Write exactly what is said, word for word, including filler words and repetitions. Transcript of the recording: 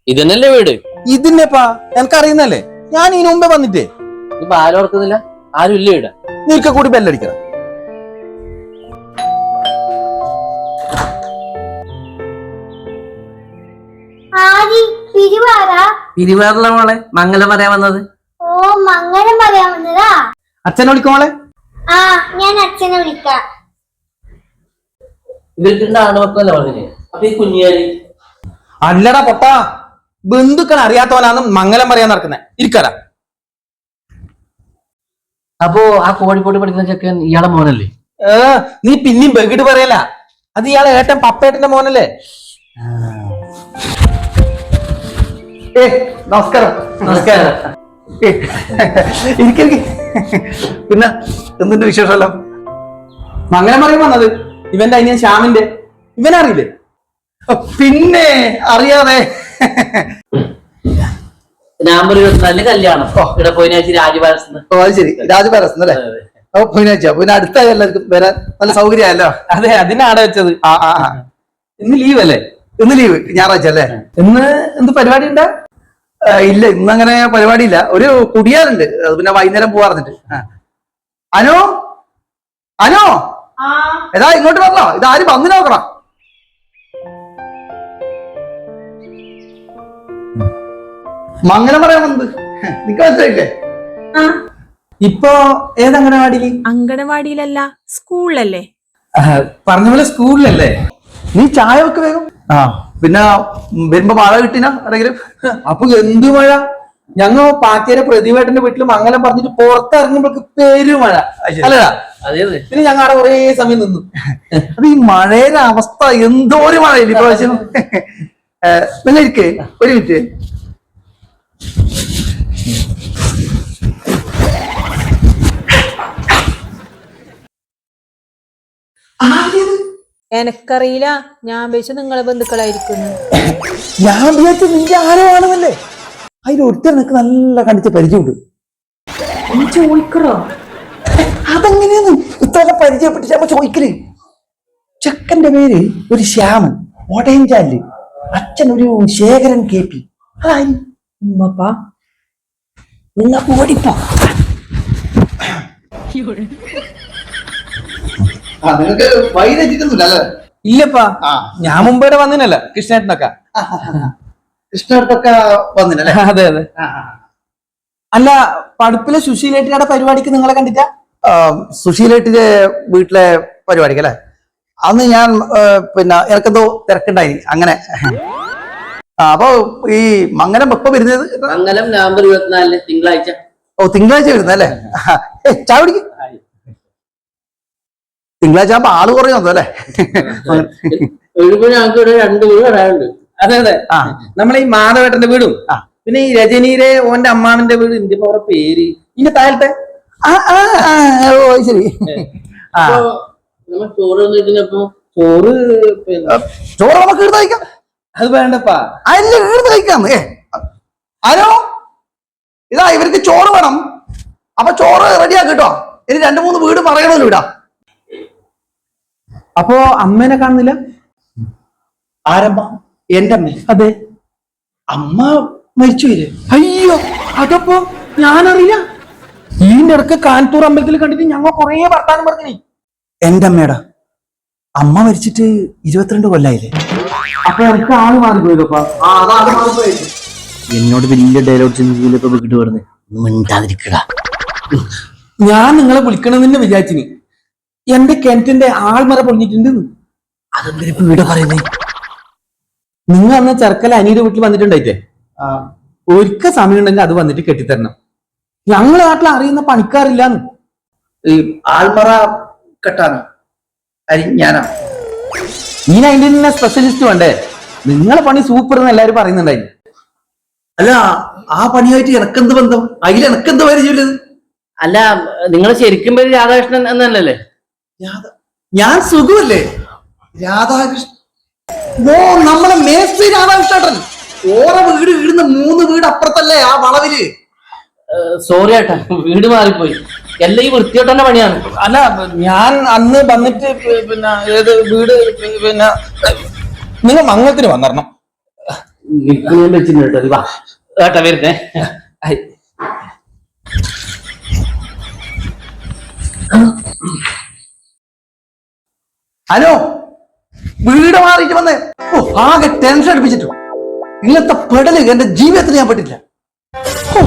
ഇതന്നല്ലേ വീട്? ഇതിന്നെപ്പാ എനിക്കറിയുന്നല്ലേ, ഞാൻ ഇതിനു മുമ്പേ വന്നിട്ടേ. ഇപ്പൊ ആരും ഓർക്കുന്നില്ല, ആരും ഇല്ല ഇവിടെ. നീക്ക കൂടി ബെല്ലടിക്കണം. പിരിവാറുള്ള മോളെ മംഗലം പറയാൻ വന്നത്. ഓ മംഗലം പറയാൻ വന്നതാ. അച്ഛനെ വിളിക്കോളെ. ആ ഞാൻ അച്ഛനെ വിളിക്കാം. ഇവർക്ക് ആണുമക്കളല്ല പറഞ്ഞില്ലേ? അപ്പൊ ഈ കുഞ്ഞാരി അല്ലടാ പൊട്ടാ, ബന്ധുക്കൾ അറിയാത്തവനാണ് മംഗലം പറയാൻ നടക്കുന്നത്. ഇരിക്കടാ. അപ്പോ ആ കോഴിക്കോട് പഠിക്കുന്ന ചെക്കൻ ഇയാളെ മോനല്ലേ? ഏ നീ പിന്നെയും ബെഗിട്ട് പറയല, അത് ഇയാളെ ഏട്ടൻ പപ്പേട്ടന്റെ മോനല്ലേ. ഏ നമസ്കാരം. നമസ്കാരം. ഇരിക്ക. പിന്നെ എന്തിന്റെ വിശേഷമല്ലോ? മംഗലം പറയാൻ വന്നത് ഇവന്റെ അനിയൻ ശ്യാമിന്റെ. ഇവനറിയില്ലേ? പിന്നെ അറിയാതെ. നവംബർ ഇരുപത്തിനാലിന് കല്യാണം. ഇവിടെ പോയിനാഴ്ച രാജപാലസ്. ഓ അത് ശരി, രാജപാലസ് അല്ലേ? അപ്പൊ പോയിനാഴ്ച പിന്നെ അടുത്തായി എല്ലാവർക്കും വരാൻ നല്ല സൗകര്യമല്ലോ. അതെ, അതിനാടെ വെച്ചത്. ആ ആ ഇന്ന് ലീവ് അല്ലേ? ഇന്ന് ലീവ്, ഞായറാഴ്ച അല്ലേ? ഇന്ന് എന്ത് പരിപാടി ഉണ്ടാ? ഇല്ല, ഇന്ന് അങ്ങനെ പരിപാടി ഇല്ല. ഒരു കുടിയാറുണ്ട്, അത് പിന്നെ വൈകുന്നേരം പോവാറിഞ്ഞിട്ട്. അനു അനു ഏതാ ഇങ്ങോട്ട് വരണോ? ഇതാരും വന്നു നോക്കണം. മംഗലം പറയാൻ വന്നത് നിക്ക് മനസ്സിലായില്ലേ? ഇപ്പൊ ഏത് അംഗനവാടിയില്? അംഗനവാടിയിലല്ല, സ്കൂളിലല്ലേ? പറഞ്ഞ പോലെ സ്കൂളിലല്ലേ? നീ ചായ വെക്ക് വേഗം. ആ പിന്നെ വരുമ്പോ മഴ കിട്ടിനാ ആരെങ്കിലും? അപ്പൊ എന്ത് മഴ? ഞങ്ങൾ പാറ്റേരെ പ്രതിവേട്ടന്റെ വീട്ടിൽ മംഗലം പറഞ്ഞിട്ട് പുറത്തിറങ്ങുമ്പോഴേക്ക് പെരുമഴ അല്ലടാ. പിന്നെ ഞങ്ങൾ അവിടെ കുറേ സമയം നിന്നു. അത് ഈ മഴയുടെ അവസ്ഥ എന്തോ ഒരു മഴയില്ല ഇപ്രാവശ്യം. പിന്നെ ഇരിക്കേ ഒരു മിനിറ്റ്. എനക്കറിയില്ല, ഞാൻ വിചാരിച്ചു നിങ്ങളെ ബന്ധുക്കളായിരിക്കുന്നു. ഞാൻ വിചാരിച്ചു നിന്റെ ആരോ ആണെന്നല്ലേ. അതിൽ ഒരുത്തർ നിനക്ക് നല്ല കണ്ടിച്ച് പരിചയമുണ്ട്. ചോദിക്കറോ? അതെങ്ങനെയാന്ന് ഇത്ര പരിചയപ്പെട്ട് ഞാൻ ചോദിക്കല്. ചെക്കന്റെ പേര് ഒരു ശ്യാമൻ, ഓടയഞ്ചാല്. അച്ഛൻ ഒരു ശേഖരൻ കെ പി. ഉമ്മപ്പാ നിങ്ങ ഓടിപ്പോ. നിങ്ങക്ക് വൈകിട്ടൊന്നുമില്ല? ഇല്ലപ്പാ, ഞാൻ മുമ്പേ വന്നിനല്ല. കൃഷ്ണേട്ടനൊക്കെ കൃഷ്ണേട്ടൊക്കെ വന്നിനല്ലേ? അതെ അതെ. അല്ല, പടുപ്പിലെ സുശീലേട്ടിയുടെ പരിപാടിക്ക് നിങ്ങളെ കണ്ടിട്ടാ? സുശീലേട്ടിന്റെ വീട്ടിലെ പരിപാടിക്ക് അല്ലെ? അന്ന് ഞാൻ പിന്നെ എനിക്കെന്തോ തിരക്കുണ്ടായി അങ്ങനെ. അപ്പൊ ഈ മംഗലം എപ്പോ വരുന്നത്? മംഗലം നവംബർ ഇരുപത്തിനാലിന് തിങ്കളാഴ്ച. ഓ തിങ്കളാഴ്ച വരുന്നല്ലേ? ചായ കുടിക്ക്. തിങ്കളാഴ്ച ആകുമ്പോ ആള് കുറയുന്നോ അല്ലേ? രണ്ട് വീട് വരാനുണ്ട്. അതെ അതെ. ആ നമ്മളെ ഈ മാധവേട്ടന്റെ വീടും പിന്നെ ഈ രജനീരെ ഓന്റെ അമ്മാവന്റെ വീട്. ഇന്ത്യ പോറ പേര് ഇന്റെ താഴത്തെ. ഓ ശരി. ചോറ് വന്നിട്ടിപ്പോ ചോറ് ചോറ് നമുക്ക് ഇടുന്ന് കഴിക്കാം. അത് വേണ്ടപ്പാ, അല്ല ഇടുന്ന് കഴിക്കാം. ഏ ആരോ ഇതാ ഇവർക്ക് ചോറ് വേണം. അപ്പൊ ചോറ് റെഡിയാക്കി കേട്ടോ. ഇനി രണ്ടു മൂന്ന് വീട് പറയണമല്ലോ ഇടാ. അപ്പോ അമ്മേനെ കാണുന്നില്ല? ആരമ്മ? എന്റെ അമ്മ. അതെ, അമ്മ മരിച്ചു വരെ. അയ്യോ, അതപ്പോ ഞാനറിയില്ല. ഈ നിറക്ക് കാൻപൂർ അമ്പലത്തിൽ കണ്ടിട്ട് ഞങ്ങൾ കൊറേ വർത്താനം പറഞ്ഞു. എന്റെ അമ്മയുടെ അമ്മ മരിച്ചിട്ട് ഇരുപത്തിരണ്ട് കൊല്ലായില്ലേ? അപ്പൊ എനിക്ക് ആള് മാറിപ്പോയതപ്പാ. എന്നോട് വലിയ ഡയലോഗ് വിളിട്ട് പറഞ്ഞു മിണ്ടാതിരിക്കടാ. ഞാൻ നിങ്ങളെ വിളിക്കണമെന്ന് വിചാരിച്ചിനി. എന്റെ കിണറ്റിന്റെ ആൾമറ പൊളിഞ്ഞിട്ടുണ്ട്. അതെന്തിനാ വീട് പറയുന്നേ? നിങ്ങൾ അന്ന് ചെറുക്കല അനിയുടെ വീട്ടിൽ വന്നിട്ടുണ്ടായിട്ടേ, ഒരിക്കൽ സമയം ഉണ്ടെങ്കിൽ അത് വന്നിട്ട് കെട്ടിത്തരണം. ഞങ്ങളെ നാട്ടിൽ അറിയുന്ന പണിക്കാറില്ലാന്ന്. ഈ ആൾമറ കെട്ടാനോ? ഞാനാ നീ അതിന്റെ തന്നെ സ്പെഷ്യലിസ്റ്റ് വേണ്ടേ? നിങ്ങളെ പണി സൂപ്പർ എന്ന് എല്ലാരും പറയുന്നുണ്ടായി. അല്ല, ആ പണിയായിട്ട് എനക്കെന്ത് ബന്ധം? അതിൽ എനക്കെന്ത് പരിചയമില്ലത്? അല്ല, നിങ്ങൾ ശരിക്കും പേര് രാധാകൃഷ്ണൻ എന്നല്ലേ? ഞാൻ സുഖമല്ലേ? രാധാകൃഷ്ണൻ ഓ നമ്മളെ മേസ്ത്രി രാധാകൃഷ്ണൻ. ഓരോ വീട് ഇടുന്ന മൂന്ന് വീട് അപ്പുറത്തല്ലേ ആ വളവില്? സോറി ഏട്ടാ, വീട് മാറിപ്പോയി. എല്ലാം ഈ വൃത്തിയോട്ടന്റെ പണിയാണ്. അല്ല, ഞാൻ അന്ന് വന്നിട്ട് പിന്നെ ഏത് വീട് പിന്നെ നിങ്ങൾ മംഗളത്തിന് വന്നിരണം. നിനക്ക് ഞാൻ വെച്ചിട്ടുണ്ട് കേട്ടോ. നീ വാ ഏട്ടാ വരുന്നേ. ഐ. ഹലോ, വീട് മാറിയിട്ട് വന്നേ. ഓ, ആകെ ടെൻഷൻ അടുപ്പിച്ചിട്ടു. ഇങ്ങനത്തെ പെടല് എന്റെ ജീവിതത്തിൽ ഞാൻ പെട്ടില്ല. ഓ,